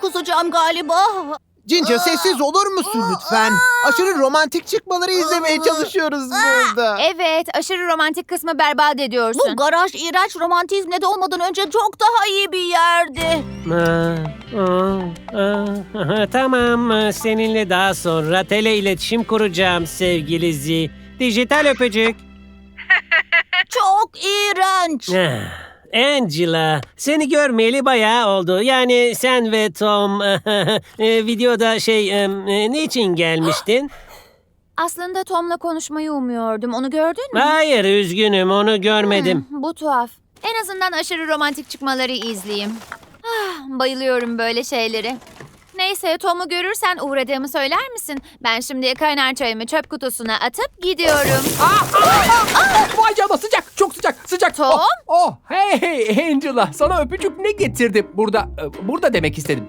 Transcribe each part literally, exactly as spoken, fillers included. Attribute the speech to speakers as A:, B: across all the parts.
A: kusacağım galiba.
B: Ginger sessiz olur musun lütfen? Aşırı romantik çıkmaları izlemeye çalışıyoruz burada.
C: Evet, aşırı romantik kısmı berbat ediyorsun.
A: Bu garaj iğrenç romantizmle de olmadan önce çok daha iyi bir yerdi.
D: Aa, aa, aa, tamam, seninle daha sonra tele iletişim kuracağım sevgili Z. Dijital öpücük.
A: Çok iğrenç.
D: Ah, Angela, seni görmeyeli bayağı oldu. Yani sen ve Tom e, videoda şey e, niçin gelmiştin?
C: Aslında Tom'la konuşmayı umuyordum. Onu gördün mü?
D: Hayır, üzgünüm, onu görmedim.
C: Hmm, bu tuhaf. En azından aşırı romantik çıkmaları izleyeyim. Ah, bayılıyorum böyle şeyleri. Neyse, Tom'u görürsen uğradığımı söyler misin? Ben şimdi kaynar çayımı çöp kutusuna atıp gidiyorum.
E: Vay canına, sıcak, çok sıcak, sıcak.
C: Tom?
E: Oh, oh, hey hey Angela, sana öpücük ne getirdim? Burada, e, burada demek istedim.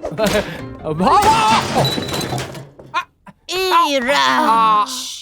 A: İğrenç.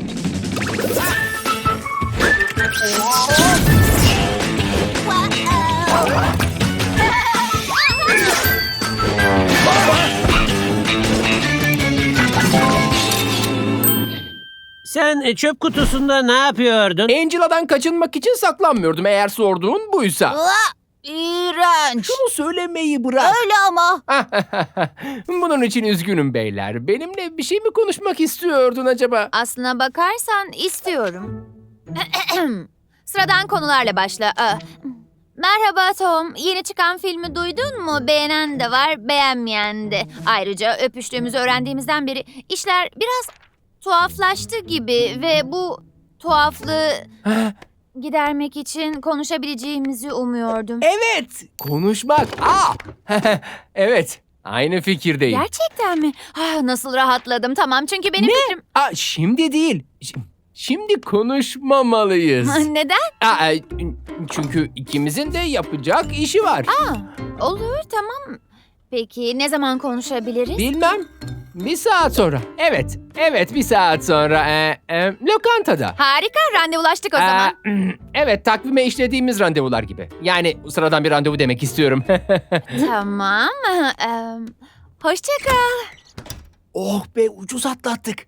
D: Sen e, çöp kutusunda ne yapıyordun?
E: Angela'dan kaçınmak için saklanmıyordum, eğer sorduğun buysa.
A: Aa, İğrenç.
E: Şunu söylemeyi bırak.
A: Öyle ama.
E: Bunun için üzgünüm beyler. Benimle bir şey mi konuşmak istiyordun acaba?
C: Aslına bakarsan istiyorum. Sıradan konularla başla. Aa, Merhaba Tom. Yeni çıkan filmi duydun mu? Beğenen de var, beğenmeyen de. Ayrıca öpüştüğümüzü öğrendiğimizden beri işler biraz tuhaflaştı gibi ve bu tuhaflığı gidermek için konuşabileceğimizi umuyordum.
E: Evet, konuşmak. Aa, evet, aynı fikirdeyim.
C: Gerçekten mi? Ah, nasıl rahatladım. Tamam, çünkü benim fikrim...
E: Aa, şimdi değil. Ş- Şimdi konuşmamalıyız.
C: Neden?
E: Aa, e, çünkü ikimizin de yapacak işi var.
C: Aa, olur, tamam. Peki ne zaman konuşabiliriz?
E: Bilmem. Bir saat sonra. Evet, evet bir saat sonra. Ee, e, lokantada.
C: Harika, randevulaştık o zaman.
E: Ee, evet, takvime işlediğimiz randevular gibi. Yani sıradan bir randevu demek istiyorum.
C: Tamam. Ee, hoşça kal.
E: Oh be, ucuz atlattık.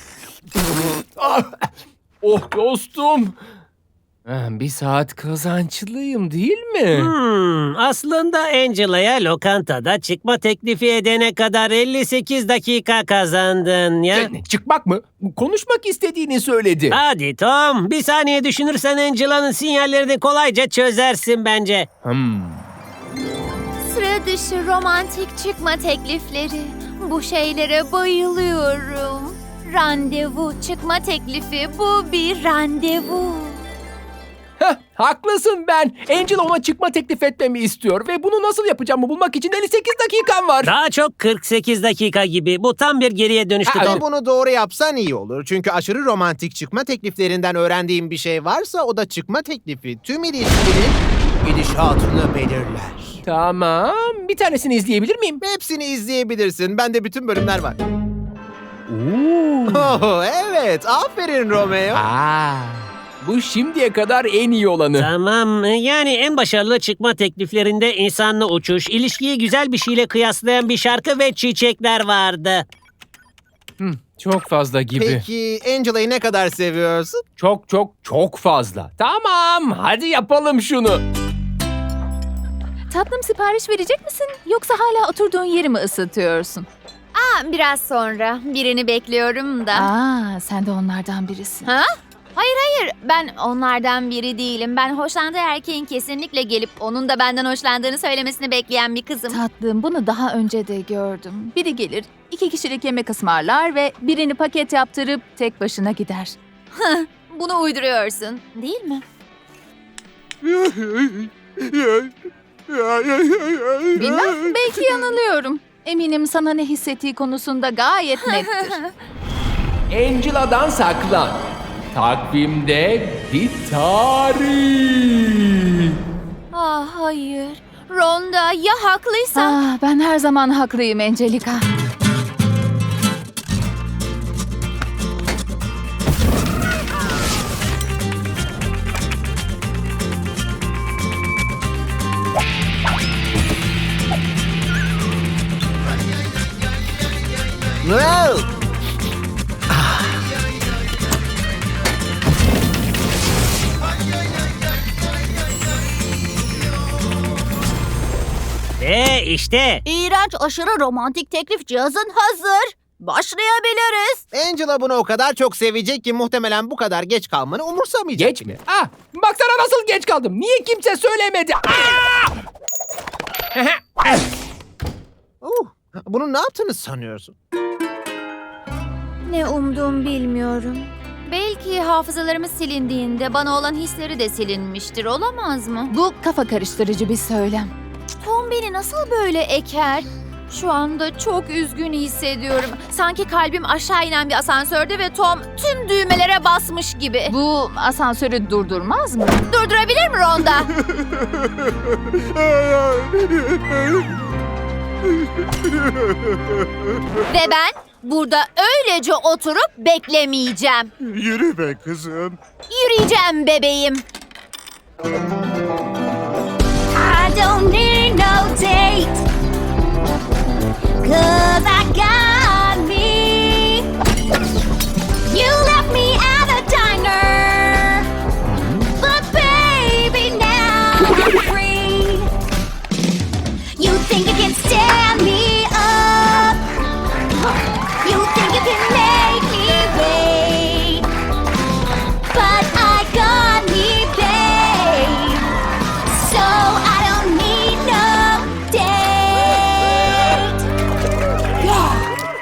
E: Oh dostum. Ah, Bir saat kazançlıyım değil mi?
D: Hmm, aslında Angela'ya lokantada çıkma teklifi edene kadar elli sekiz dakika kazandın ya.
E: Ne, çıkmak mı? Konuşmak istediğini söyledi.
D: Hadi Tom, bir saniye düşünürsen Angela'nın sinyallerini kolayca çözersin bence.
E: Hmm.
C: Sıra dışı romantik çıkma teklifleri. Bu şeylere bayılıyorum. Randevu çıkma teklifi, bu bir randevu.
E: Heh, haklısın ben. Angel ona çıkma teklif etmemi istiyor ve bunu nasıl yapacağımı bulmak için elli sekiz dakikam var.
D: Daha çok kırk sekiz dakika gibi. Bu tam bir geriye dönüştü
E: Aa,
D: Tom.
B: Ve bunu doğru yapsan iyi olur. Çünkü aşırı romantik çıkma tekliflerinden öğrendiğim bir şey varsa o da çıkma teklifi tüm ilişkinin gidişatını belirler.
E: Tamam. Bir tanesini izleyebilir miyim?
B: Hepsini izleyebilirsin. Bende bütün bölümler var.
E: Oo.
B: Oh, evet. Aferin Romeo.
E: Aa, bu şimdiye kadar en iyi olanı.
D: Tamam, yani en başarılı çıkma tekliflerinde insanla uçuş, ilişkiyi güzel bir şeyle kıyaslayan bir şarkı ve çiçekler vardı.
E: Hmm, çok fazla gibi.
B: Peki Angela'yı ne kadar seviyorsun?
E: Çok çok çok fazla. Tamam, hadi yapalım şunu.
F: Tatlım, sipariş verecek misin? Yoksa hala oturduğun yeri mi ısıtıyorsun?
C: Aa, biraz sonra birini bekliyorum da.
F: Aa, sen de onlardan birisin.
C: Ha? Hayır hayır, ben onlardan biri değilim. Ben hoşlandığı erkeğin kesinlikle gelip onun da benden hoşlandığını söylemesini bekleyen bir kızım.
F: Tatlım, bunu daha önce de gördüm. Biri gelir, iki kişilik yemek ısmarlar ve birini paket yaptırıp tek başına gider.
C: Bunu uyduruyorsun, değil mi?
F: Bilmem, belki yanılıyorum. Eminim sana ne hissettiği konusunda gayet nettir.
E: Angela'dan saklan. Takvimde bir tarih.
C: Ah hayır. Ronda ya haklıysa?
F: Ah, ben her zaman haklıyım Angelica.
B: Wow!
D: Ve işte.
A: İğrenç aşırı romantik teklif cihazın hazır. Başlayabiliriz.
B: Angela bunu o kadar çok sevecek ki muhtemelen bu kadar geç kalmanı umursamayacak.
E: Geç mi? Ah, baksana nasıl geç kaldım. Niye kimse söylemedi? Ah!
B: Uh, bunu ne yaptığını sanıyorsun?
C: Ne umduğum bilmiyorum. Belki hafızalarımız silindiğinde bana olan hisleri de silinmiştir, olamaz mı?
F: Bu kafa karıştırıcı bir söylem.
C: Tom beni nasıl böyle eker? Şu anda çok üzgün hissediyorum. Sanki kalbim aşağı inen bir asansörde ve Tom tüm düğmelere basmış gibi.
F: Bu asansörü durdurmaz mı?
C: Durdurabilir mi Ronda? Ve ben burada öylece oturup beklemeyeceğim.
B: Yürü be kızım.
C: Yürüyeceğim bebeğim. I don't need no date, 'cause I got me. You left me at a diner, but baby now I'm free. You think you can stand me up, you think you can make me wait, but I got me, babe, so I don't need no date. Yeah.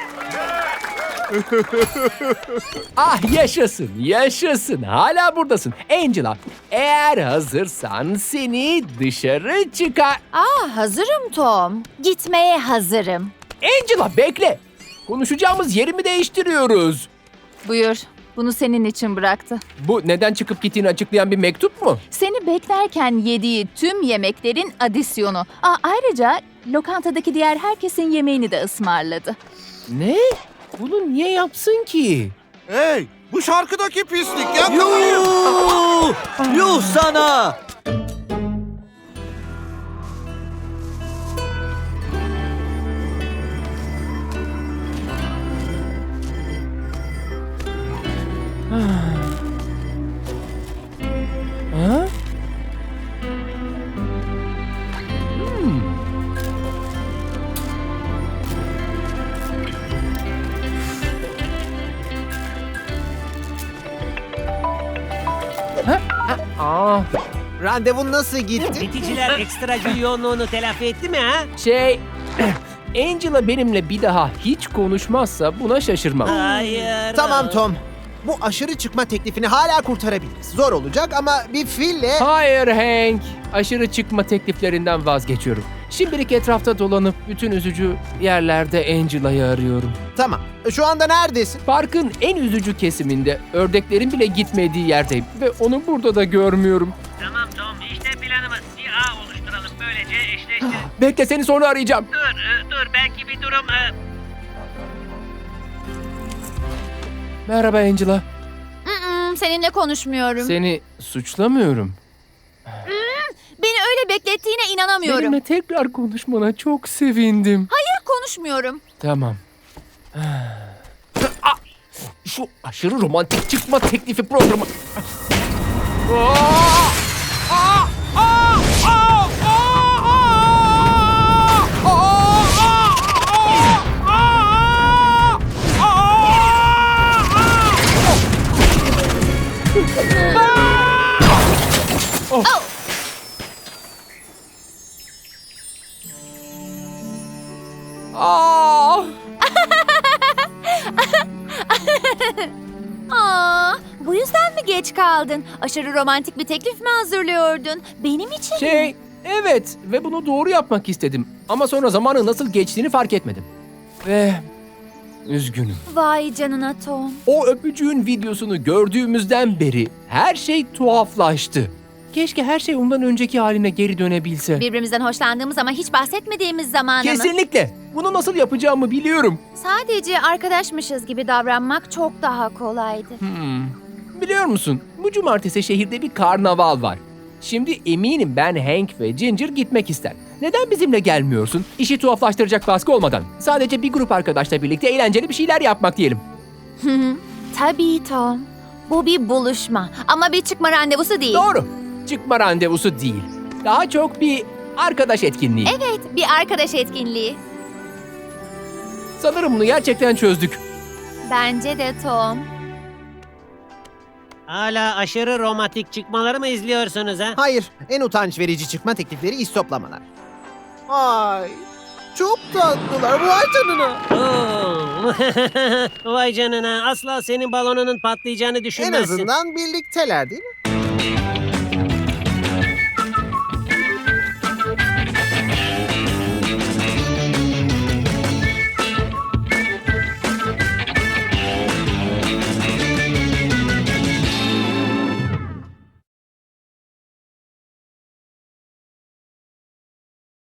E: Ah yaşasın, yaşasın. Hala buradasın. Angela, eğer hazırsan seni dışarı çıkar...
C: Aa, hazırım Tom. Gitmeye hazırım.
E: Angela bekle. Konuşacağımız yeri mi değiştiriyoruz?
F: Buyur. Bunu senin için bıraktı.
E: Bu neden çıkıp gittiğini açıklayan bir mektup mu?
F: Seni beklerken yediği tüm yemeklerin adisyonu. Aa, ayrıca lokantadaki diğer herkesin yemeğini de ısmarladı.
E: Ne? Bunu niye yapsın ki?
G: Hey, bu şarkıdaki pislik ya.
H: Yuh! Yuh sana!
E: Ha? Hmm. Ha? Ha? Aa,
B: Randevun nasıl gitti?
D: Biticiler ekstra gün yoğunluğunu telafi etti mi ha?
E: şey... Angela benimle bir daha hiç konuşmazsa buna şaşırmam.
D: Hayır.
B: Tamam Tom. Bu aşırı çıkma teklifini hala kurtarabiliriz. Zor olacak ama bir fille...
E: Hayır Hank. Aşırı çıkma tekliflerinden vazgeçiyorum. Şimdilik etrafta dolanıp bütün üzücü yerlerde Angela'yı arıyorum.
B: Tamam. Şu anda neredesin?
E: Parkın en üzücü kesiminde, ördeklerin bile gitmediği yerdeyim ve onu burada da görmüyorum.
D: Tamam Tom, işte planımız. Bir ağ oluşturalım, böylece eşleştiririz.
E: Bekle, seni sonra arayacağım.
D: dur, e, dur belki bir durum... e,
E: Merhaba Angela.
C: Mm-mm, seninle konuşmuyorum.
E: Seni suçlamıyorum.
C: Beni öyle beklettiğine inanamıyorum.
E: Benimle tekrar konuşmana çok sevindim.
C: Hayır, konuşmuyorum.
E: Tamam. Ah! Şu aşırı romantik çıkma teklifi programı. Aa! Aa! Aa! Aa! Aa!
C: Aa, bu yüzden mi geç kaldın? Aşırı romantik bir teklif mi hazırlıyordun? Benim için mi?
E: Şey, evet ve bunu doğru yapmak istedim. Ama sonra zamanın nasıl geçtiğini fark etmedim. Ve üzgünüm.
C: Vay canına Tom.
E: O öpücüğün videosunu gördüğümüzden beri her şey tuhaflaştı. Keşke her şey ondan önceki haline geri dönebilse.
C: Birbirimizden hoşlandığımız ama hiç bahsetmediğimiz zamanı mı?
E: Kesinlikle. Bunu nasıl yapacağımı biliyorum.
C: Sadece arkadaşmışız gibi davranmak çok daha kolaydı.
E: Hmm. Biliyor musun? Bu cumartesi şehirde bir karnaval var. Şimdi eminim ben, Hank ve Ginger gitmek ister. Neden bizimle gelmiyorsun? İşi tuhaflaştıracak baskı olmadan. Sadece bir grup arkadaşla birlikte eğlenceli bir şeyler yapmak diyelim.
C: Tabii Tom. Bu bir buluşma ama bir çıkma randevusu değil.
E: Doğru. Çıkma randevusu değil. Daha çok bir arkadaş etkinliği.
C: Evet, bir arkadaş etkinliği.
E: Sanırım bunu gerçekten çözdük.
C: Bence de Tom.
D: Hala aşırı romantik çıkmaları mı izliyorsunuz ha?
B: Hayır, en utanç verici çıkma teklifleri istoplamalar. Ay, çok tatlılar. Vay canına.
D: Oo. Vay canına, asla senin balonunun patlayacağını
B: En
D: düşünmezsin.
B: azından birlikteler değil mi?